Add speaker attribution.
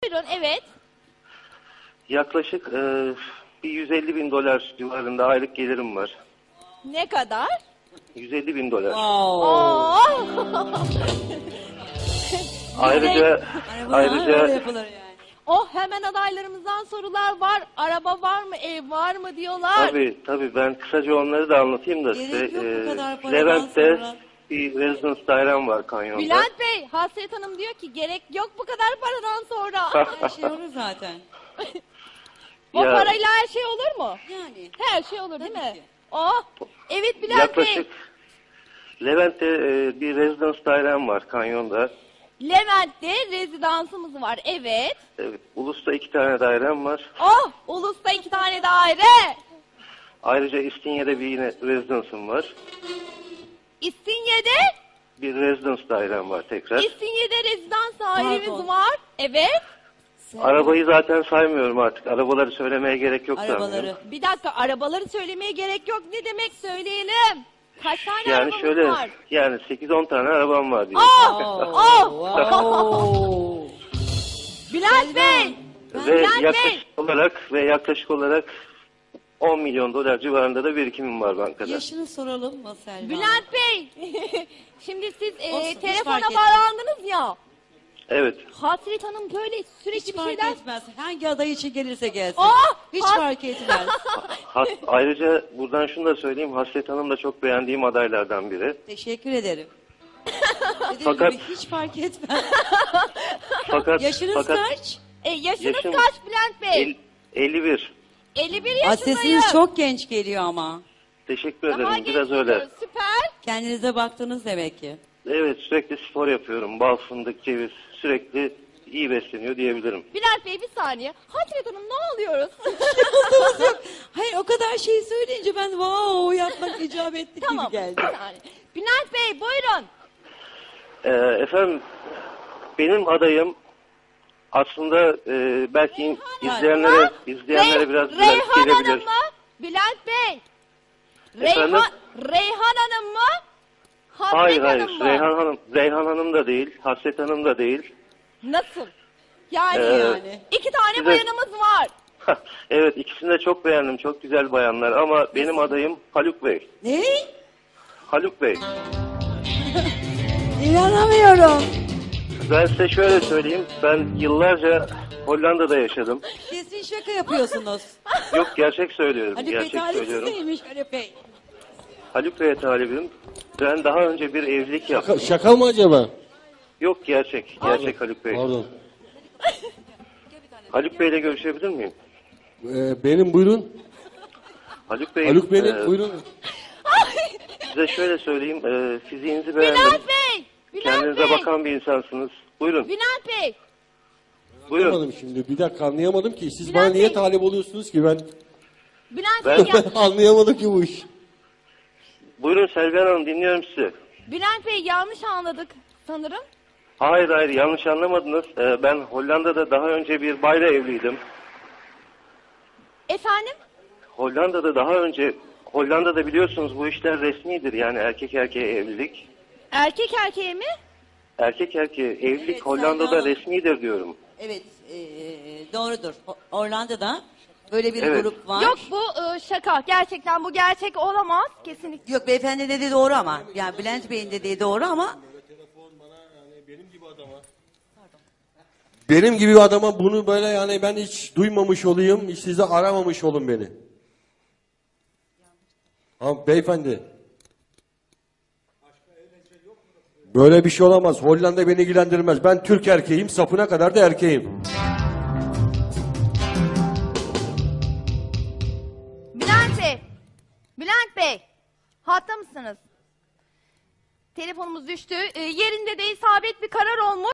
Speaker 1: Buyurun, evet.
Speaker 2: Yaklaşık bir 150 bin dolar civarında aylık gelirim var.
Speaker 1: Ne kadar?
Speaker 2: 150 bin dolar.
Speaker 1: Oo.
Speaker 2: Ayrıca
Speaker 3: Öyle yapılır yani.
Speaker 1: Oh, hemen adaylarımızdan sorular var. Araba var mı, ev var mı diyorlar.
Speaker 2: tabii ben kısaca onları da anlatayım da
Speaker 3: Gerek
Speaker 2: size.
Speaker 3: yok bu kadar paradan
Speaker 2: Levent'te
Speaker 3: sonra.
Speaker 2: bir residence dairem var kanyonda.
Speaker 1: Bülent Bey, Hasret Hanım diyor ki gerek yok bu kadar paradan sonra.
Speaker 3: Her şey olur zaten.
Speaker 1: O
Speaker 2: Ya-
Speaker 1: parayla her şey olur mu?
Speaker 3: Yani.
Speaker 1: Her şey olur değil
Speaker 3: Tabii
Speaker 1: mi?
Speaker 3: ki.
Speaker 1: Oh, evet Bülent
Speaker 2: Yaklaşık
Speaker 1: Bey.
Speaker 2: Levent'te bir residence dairem var kanyonda.
Speaker 1: Levent'te rezidansımız var, evet.
Speaker 2: Evet, Ulus'ta 2 tane dairem var.
Speaker 1: Oh, Ulus'ta 2 tane daire.
Speaker 2: Ayrıca İstinye'de bir yine residence'ım var.
Speaker 1: İstinye'de,
Speaker 2: Bir residence dairem var tekrar.
Speaker 1: İstinye'de rezidans dairemiz
Speaker 3: Pardon.
Speaker 1: var. Evet.
Speaker 2: Arabayı zaten saymıyorum artık. Arabaları söylemeye gerek yok
Speaker 3: Arabaları.
Speaker 2: sanırım.
Speaker 1: Bir dakika, arabaları söylemeye gerek yok. Ne demek, söyleyelim. Kaç tane
Speaker 2: Yani
Speaker 1: arabamız
Speaker 2: şöyle,
Speaker 1: var?
Speaker 2: yani 8-10 tane arabam var diye.
Speaker 1: Oh!
Speaker 3: Wow.
Speaker 1: Bülent Bey!
Speaker 2: Ve
Speaker 1: Bülent Bey!
Speaker 2: yaklaşık olarak 10 milyon dolar civarında da birikimim var bankada.
Speaker 3: Yaşını soralım mı Selma?
Speaker 1: Bülent Bey! Şimdi siz
Speaker 3: Olsun, hiç
Speaker 1: telefona
Speaker 3: fark etmez.
Speaker 1: bağlandınız ya.
Speaker 2: Evet.
Speaker 1: Hasret Hanım böyle sürekli
Speaker 3: Hiç
Speaker 1: bir
Speaker 3: fark
Speaker 1: şeyler...
Speaker 3: etmez. Hangi aday için gelirse gelsin.
Speaker 1: Ah!
Speaker 3: Hiç
Speaker 1: Has-
Speaker 3: fark etmez.
Speaker 2: Ayrıca buradan şunu da söyleyeyim. Hasret Hanım da çok beğendiğim adaylardan biri.
Speaker 3: Teşekkür ederim. Dediğim
Speaker 2: Fakat-
Speaker 3: gibi hiç fark etmez.
Speaker 2: Fakat
Speaker 3: Yaşınız kaç?
Speaker 1: yaşınız
Speaker 2: Yaşım-
Speaker 1: kaç Bülent Bey?
Speaker 2: 51.
Speaker 1: 51
Speaker 3: Aa,
Speaker 1: yaşındayım.
Speaker 3: sesiniz çok genç geliyor ama.
Speaker 2: Teşekkür
Speaker 1: Daha
Speaker 2: ederim.
Speaker 1: genç
Speaker 2: Biraz öyle.
Speaker 1: geliyoruz, süper.
Speaker 3: Kendinize baktınız demek ki.
Speaker 2: Evet, sürekli spor yapıyorum. Bal, fındık, ceviz. Sürekli iyi besleniyor diyebilirim.
Speaker 1: Bülent Bey bir saniye. Hasret Hanım ne alıyoruz?
Speaker 3: Hayır, o kadar şey söyleyince ben wow yapmak icap etti
Speaker 1: Tamam.
Speaker 3: gibi geldi.
Speaker 1: Bir saniye. Bülent Bey buyurun.
Speaker 2: Efendim, benim adayım aslında belki izleyenlere biraz
Speaker 1: Reyhan Hanım
Speaker 2: gelebilir.
Speaker 1: mı? Bülent Bey.
Speaker 2: Efendim?
Speaker 1: Reyhan Hanım mı? Hasret
Speaker 2: Hayır,
Speaker 1: Hanım mı?
Speaker 2: Reyhan Hanım da değil, Hasret Hanım da değil.
Speaker 1: Nasıl? Yani,
Speaker 3: Yani.
Speaker 1: 2 tane
Speaker 2: size-
Speaker 1: bayanımız var.
Speaker 2: Evet, ikisini de çok beğendim. Çok güzel bayanlar ama benim adayım Haluk Bey.
Speaker 3: Ne?
Speaker 2: Haluk Bey.
Speaker 3: İnanamıyorum.
Speaker 2: Ben size şöyle söyleyeyim. Ben yıllarca Hollanda'da yaşadım.
Speaker 3: Kesin şaka yapıyorsunuz.
Speaker 2: Yok, gerçek söylüyorum.
Speaker 3: Haluk Bey
Speaker 2: Gerçek
Speaker 3: talipsiz
Speaker 2: söylüyorum.
Speaker 3: neymiş Haluk Bey?
Speaker 2: Haluk Bey'e talibim. Ben daha önce bir evlilik yaptım.
Speaker 4: Şaka mı acaba?
Speaker 2: Yok, gerçek. Gerçek Haluk Bey.
Speaker 4: Pardon.
Speaker 2: Haluk Bey'le görüşebilir miyim?
Speaker 4: Benim buyurun.
Speaker 2: Haluk Bey,
Speaker 4: Haluk benim buyurun.
Speaker 2: size şöyle söyleyeyim. Fiziğinizi beğendim.
Speaker 1: Bülent Bey. Bülent
Speaker 2: Kendinize
Speaker 1: Bey.
Speaker 2: bakan bir insansınız. Buyurun.
Speaker 1: Bülent Bey.
Speaker 2: Buyurun.
Speaker 4: Anlamadım şimdi. Bir dakika anlayamadım ki. Siz
Speaker 1: Bülent
Speaker 4: bana niye
Speaker 1: Bey.
Speaker 4: talip oluyorsunuz ki ben?
Speaker 1: Bülent
Speaker 2: Ben-
Speaker 1: Bey.
Speaker 4: Anlayamadım ki bu iş.
Speaker 2: Buyurun Selvihan Hanım, dinliyorum sizi.
Speaker 1: Bülent Bey yanlış anladık sanırım.
Speaker 2: Hayır, yanlış anlamadınız. Ben Hollanda'da daha önce bir bayla evliydim.
Speaker 1: Efendim?
Speaker 2: Hollanda'da biliyorsunuz bu işler resmidir. Yani erkek erkeğe evlilik.
Speaker 1: Erkek erkeğe mi?
Speaker 2: Erkek erkeğe evlilik
Speaker 3: Evet,
Speaker 2: Hollanda'da
Speaker 3: Selma Hanım.
Speaker 2: resmidir diyorum.
Speaker 3: Evet, doğrudur. Orlando'da böyle bir
Speaker 2: Evet.
Speaker 3: grup var.
Speaker 1: Yok bu şaka. Gerçekten bu gerçek olamaz. Kesinlikle.
Speaker 3: Yok, beyefendi dediği doğru ama. Yani Bülent Bey'in dediği doğru ama
Speaker 4: Benim gibi bir adama bunu böyle yani ben hiç duymamış olayım. Hiç size aramamış olun beni. Ama beyefendi. Böyle bir şey olamaz. Hollanda beni ilgilendirmez. Ben Türk erkeğim. Sapına kadar da erkeğim.
Speaker 1: Bülent Bey. Bülent Bey. Hatta mısınız? Telefonumuz düştü. Yerinde de isabet bir karar olmuş.